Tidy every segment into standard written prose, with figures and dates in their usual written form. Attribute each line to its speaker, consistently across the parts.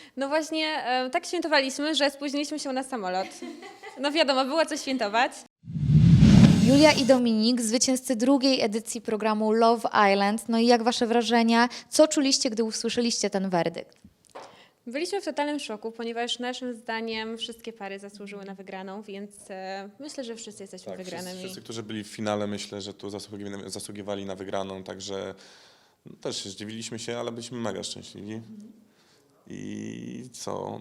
Speaker 1: No właśnie, tak świętowaliśmy, że spóźniliśmy się na samolot. No wiadomo, było co świętować.
Speaker 2: Julia i Dominik, zwycięzcy drugiej edycji programu Love Island. No i jak wasze wrażenia? Co czuliście, gdy usłyszeliście ten werdykt?
Speaker 1: Byliśmy w totalnym szoku, ponieważ naszym zdaniem wszystkie pary zasłużyły na wygraną, więc myślę, że wszyscy jesteśmy wygranymi.
Speaker 3: Wszyscy, którzy byli w finale, myślę, że tu zasługiwali na wygraną, także też zdziwiliśmy się, ale byliśmy mega szczęśliwi. I co?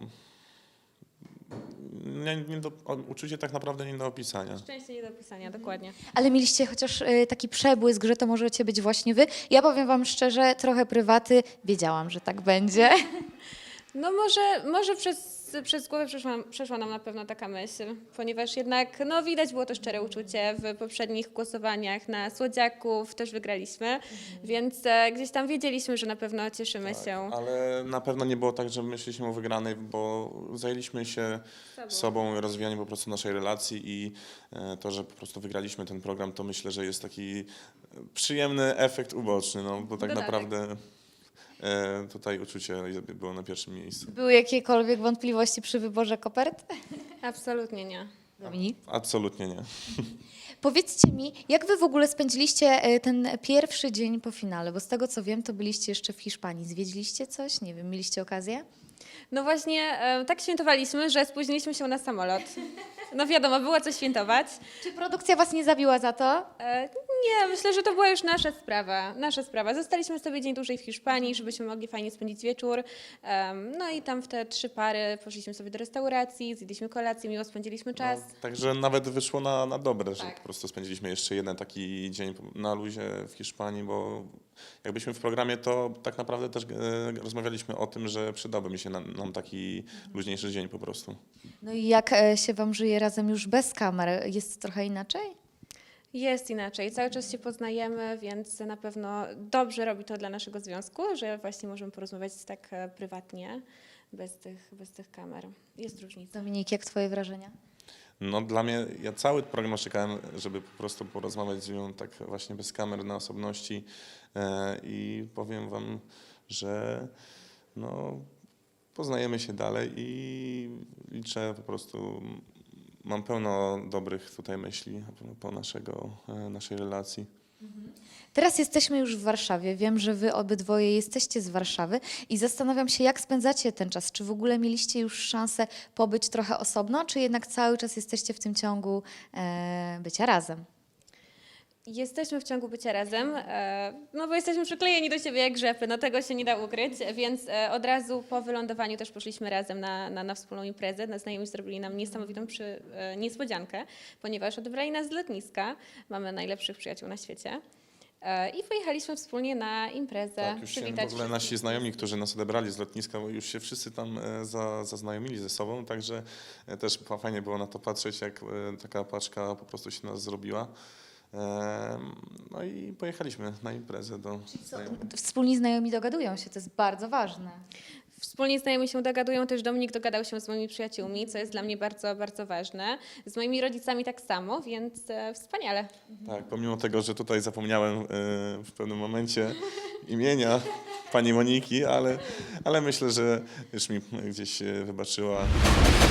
Speaker 3: Uczucie tak naprawdę nie do opisania.
Speaker 1: Szczęście nie do opisania, dokładnie.
Speaker 2: Ale mieliście chociaż taki przebłysk, że to możecie być właśnie wy? Ja powiem wam szczerze, trochę prywaty, wiedziałam, że tak będzie.
Speaker 1: No może przez głowę przeszła nam na pewno taka myśl, ponieważ jednak no, widać było to szczere uczucie w poprzednich głosowaniach na Słodziaków, też wygraliśmy, więc gdzieś tam wiedzieliśmy, że na pewno cieszymy się.
Speaker 3: Ale na pewno nie było tak, że myśleliśmy o wygranej, bo zajęliśmy się sobą i rozwijaniem po prostu naszej relacji i to, że po prostu wygraliśmy ten program, to myślę, że jest taki przyjemny efekt uboczny, no bo tak
Speaker 1: Dodatek.
Speaker 3: naprawdę tutaj uczucie było na pierwszym miejscu.
Speaker 2: Były jakiekolwiek wątpliwości przy wyborze kopert?
Speaker 1: Absolutnie nie.
Speaker 2: Dominik?
Speaker 3: Absolutnie nie.
Speaker 2: Powiedzcie mi, jak wy w ogóle spędziliście ten pierwszy dzień po finale? Bo z tego co wiem, to byliście jeszcze w Hiszpanii. Zwiedziliście coś? Nie wiem, mieliście okazję?
Speaker 1: No właśnie, tak świętowaliśmy, że spóźniliśmy się na samolot. No wiadomo, było co świętować.
Speaker 2: Czy produkcja was nie zabiła za to?
Speaker 1: Nie, myślę, że to była już nasza sprawa. Nasza sprawa. Zostaliśmy sobie dzień dłużej w Hiszpanii, żebyśmy mogli fajnie spędzić wieczór. No i tam w te 3 pary poszliśmy sobie do restauracji, zjedliśmy kolację, miło spędziliśmy czas.
Speaker 3: No, także nawet wyszło na dobre, że
Speaker 1: Tak.
Speaker 3: po prostu spędziliśmy jeszcze jeden taki dzień na luzie w Hiszpanii, bo jak byliśmy w programie, to tak naprawdę też rozmawialiśmy o tym, że przydałby mi się nam taki luźniejszy dzień po prostu.
Speaker 2: No i jak się wam żyje razem już bez kamer? Jest trochę inaczej?
Speaker 1: Jest inaczej, cały czas się poznajemy, więc na pewno dobrze robi to dla naszego związku, że właśnie możemy porozmawiać tak prywatnie, bez tych kamer. Jest różnica.
Speaker 2: Dominik, jak twoje wrażenia?
Speaker 3: No dla mnie, ja cały program czekałem, żeby po prostu porozmawiać z nią tak właśnie bez kamer na osobności i powiem wam, że no, poznajemy się dalej i liczę po prostu, mam pełno dobrych tutaj myśli po naszej relacji.
Speaker 2: Teraz jesteśmy już w Warszawie. Wiem, że wy obydwoje jesteście z Warszawy i zastanawiam się, jak spędzacie ten czas. Czy w ogóle mieliście już szansę pobyć trochę osobno, czy jednak cały czas jesteście w tym ciągu bycia razem?
Speaker 1: Jesteśmy w ciągu bycia razem, no bo jesteśmy przyklejeni do siebie jak grzepy, no tego się nie da ukryć, więc od razu po wylądowaniu też poszliśmy razem na wspólną imprezę. Znajomi zrobili nam niesamowitą niespodziankę, ponieważ odebrali nas z lotniska, mamy najlepszych przyjaciół na świecie i pojechaliśmy wspólnie na imprezę,
Speaker 3: Tak, już się
Speaker 1: przywitać
Speaker 3: w ogóle nasi
Speaker 1: wszystkich.
Speaker 3: znajomi, którzy nas odebrali z lotniska, bo już się wszyscy tam zaznajomili ze sobą, także też fajnie było na to patrzeć, jak taka paczka po prostu się nas zrobiła. No i pojechaliśmy na imprezę do znajomych.
Speaker 2: Wspólni znajomi dogadują się, to jest bardzo ważne.
Speaker 1: Wspólnie znajomi się dogadują, też Dominik dogadał się z moimi przyjaciółmi, co jest dla mnie bardzo, bardzo ważne. Z moimi rodzicami tak samo, więc wspaniale.
Speaker 3: Tak, pomimo tego, że tutaj zapomniałem w pewnym momencie imienia pani Moniki, ale myślę, że już mi gdzieś wybaczyła.